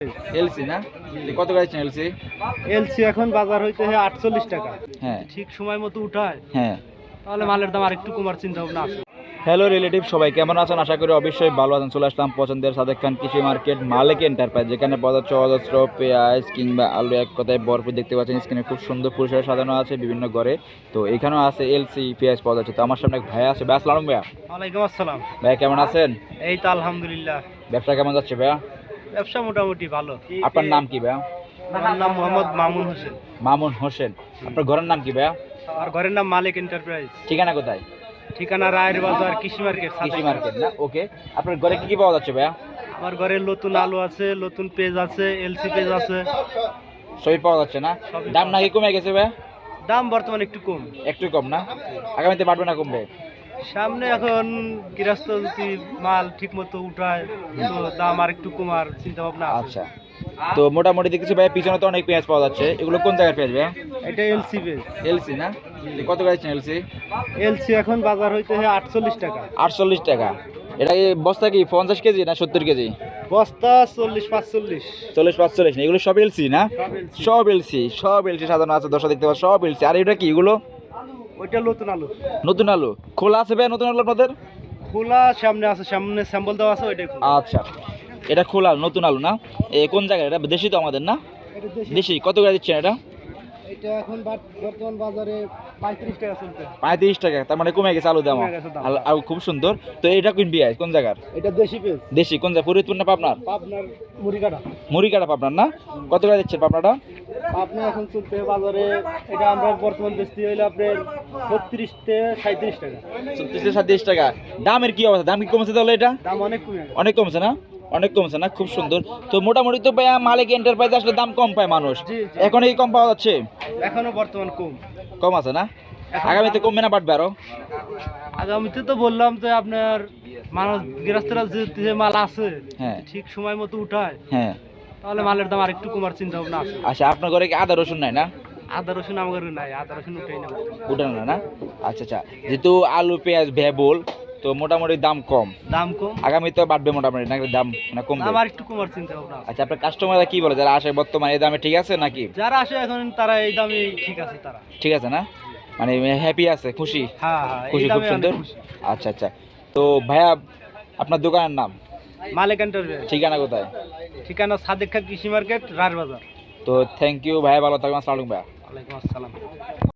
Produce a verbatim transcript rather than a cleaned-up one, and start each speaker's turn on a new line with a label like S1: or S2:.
S1: LC না কত গাড়ি এলসি?
S2: এলসি এখন বাজার হইতে আটচল্লিশ টাকা।
S1: হ্যাঁ,
S2: ঠিক সময় মতো উঠায়
S1: হ্যাঁ।
S2: তাহলে মালের দাম আরেকটু কমার চিন্তা ভাবনা আছে।
S1: হ্যালো রিলেটিভ, সবাই কেমন আছেন? আশা করি অবশ্যই ভালো আছেন। চলে আসলাম পছন্দের সাদেক খান কৃষি মার্কেট মালিক এন্টারপ্রাইজ, যেখানে পাওয়া যাচ্ছে অজস্র পেঁয়াজ কিংবা আলু এক কথায় ভরপুর। দেখতে পাচ্ছেন স্ক্রিনে খুব সুন্দর পরিসরে সাজানো আছে বিভিন্ন ঘরে। তো এখানেও আছে এলসি পেঁয়াজ পাওয়া যাচ্ছে। তো আমার সামনে এক ভাইয়া আছে। ভাই আসসালাম। ভাইয়া
S2: ওয়ালাইকুম আসসালাম।
S1: ভাইয়া কেমন আছেন?
S2: এই তো আলহামদুলিল্লাহ।
S1: ব্যবসা কেমন যাচ্ছে ভাইয়া?
S2: ব্যবসা মোটামুটি ভালো।
S1: আপনার নাম কি ভাইয়া?
S2: আমার নাম মোহাম্মদ মামুন হোসেন।
S1: মামুন হোসেন। আপনার ঘরের নাম কি ভাইয়া?
S2: আর ঘরের নাম মালিক এন্টারপ্রাইজ।
S1: ঠিকানা কোথায়?
S2: ঠিকানা রায়ের বাজার কৃষি মার্কেট।
S1: কৃষি মার্কেট না? ওকে। আপনার ঘরে কি কি পাওয়া যাচ্ছে ভাইয়া?
S2: আমার ঘরে নতুন আলু আছে, নতুন পেজ আছে, এলসি পেজ আছে,
S1: সবই পাওয়া যাচ্ছে না?
S2: সবই
S1: দাম নাকি কমে গেছে ভাইয়া?
S2: দাম বর্তমানে একটু কম।
S1: একটু কম না? আগামীতে বাড়বে না কমবে?
S2: সামনে এখন গৃহস্থ যদি মাল ঠিক মতো উঠায় তো দাম আর একটু কমার চিন্তা ভাবনা আছে।
S1: আচ্ছা, তো মোটামুটি দেখছি ভাই পিছনে তো অনেক পেঁয়াজ পাওয়া যাচ্ছে। এগুলো কোন জায়গার পেঁয়াজ ভাইয়া?
S2: এটা এলসি পেজ।
S1: এলসি না? কত গাড়ি এলসি?
S2: এলসি এখন বাজার হইতে আটচল্লিশ টাকা।
S1: আটচল্লিশ টাকা। এটা কি বস্তা কি পঞ্চাশ কেজি না সত্তর কেজি?
S2: বস্তা চল্লিশ পাঁচচল্লিশ।
S1: চল্লিশ পাঁচচল্লিশ না? এগুলো সব এলসি না?
S2: সব এলসি।
S1: সব এলসি, সব এলসি সাজানো আছে। দর্শক দেখতে পাচ্ছ সব এলসি। আর এটা কি এগুলো?
S2: ওইটা নতুন আলু।
S1: নতুন আলু খোলা আছে ভাই? নতুন আলু আপনাদের
S2: খোলা সামনে আছে, সামনে স্যাম্পল দেওয়া আছে ওইটাই খোলা।
S1: আচ্ছা, এটা খোলা নতুন আলু না? এ কোন জায়গায়? এটা দেশি তো আমাদের না?
S2: এটা দেশি।
S1: দেশি। কত করে দিচ্ছেন এটা?
S2: এটা এখন বর্তমান বাজারে পঁয়ত্রিশ টাকা চলছে।
S1: পঁয়ত্রিশ টাকা। তার মানে কমে গেছে আলু দাম।
S2: কমে গেছে দাম।
S1: আর খুব সুন্দর। তো এটা কোন পেঁয়াজ? কোন জায়গার?
S2: এটা দেশি পেজ।
S1: দেশি। কোন জায়গা? ফরিদপুর না পাবনার?
S2: পাবনার মুড়িকাটা।
S1: মুড়িকাটা পাবনার না? কত করে দিচ্ছেন পাবনাটা?
S2: আপনি এখন চলতে বাজারে এটা আমরা বর্তমান বেচতে হইলে আপনার ছত্রিশ থেকে সাঁত্রিশ টাকা।
S1: ছত্রিশ থেকে সাতত্রিশ টাকা। দামের কি অবস্থা? দাম কি কমছে তাহলে? এটা
S2: দাম অনেক কমে গেছে।
S1: অনেক কমছে না? অনেক কমছে না? খুব সুন্দর। তো মোটামুটি তো ভাইয়া মালিক এন্টারপ্রাইজ আসলে দাম কম পায় মানুষ।
S2: জি, জি।
S1: এখন এই কম পাওয়া যাচ্ছে?
S2: এখনো বর্তমান কম।
S1: কম আছে না?
S2: এখন
S1: আগামীতে কমবে না বাড়বে আরো?
S2: আগামীতে তো বললাম যে আপনার মানুষ গৃহস্থরা যে যে মাল আছে
S1: হ্যাঁ,
S2: ঠিক সময় মতো উঠায়
S1: হ্যাঁ।
S2: তাহলে মালের দাম আরেকটু কমার চিন্তা ভাবনা আছে।
S1: আচ্ছা, আপনার ঘরে কি আদা রসুন নাই না?
S2: আদা রসুন আমার নাই, আদা রসুন উঠাই না।
S1: উঠানো না না? আচ্ছা আচ্ছা। যেহেতু আলু পেঁয়াজ ভেবল, তো মোটামুটি দাম কম।
S2: দাম কম।
S1: আগামীতে বাড়বে মোটামুটি নাকি দাম না কমবে?
S2: দাম আর একটু কমার চিন্তা ভাবনা আছে।
S1: আচ্ছা, আপনার কাস্টমাররা কি বলে যারা আসে বর্তমানে? এই দামে ঠিক আছে নাকি?
S2: যারা আসে এখন তারা এই দামে ঠিক আছে, তারা
S1: ঠিক আছে না? মানে হ্যাপি আছে, খুশি?
S2: হ্যাঁ হ্যাঁ, এই
S1: খুশি, খুব
S2: দামে অনেক
S1: সুন্দর।
S2: খুশি।
S1: আচ্ছা আচ্ছা। তো ভাইয়া আপনার দোকানের নাম
S2: মালিক এন্টারপ্রাইজ।
S1: ঠিকানা কোথায়?
S2: ঠিকানা সাদেক খান কৃষি মার্কেট রায়ের বাজার।
S1: তো থ্যাংক ইউ ভাইয়া, ভালো থাকবেন। আসসালামু আলাইকুম ভাইয়া।
S2: ওয়ালাইকুম আসসালাম।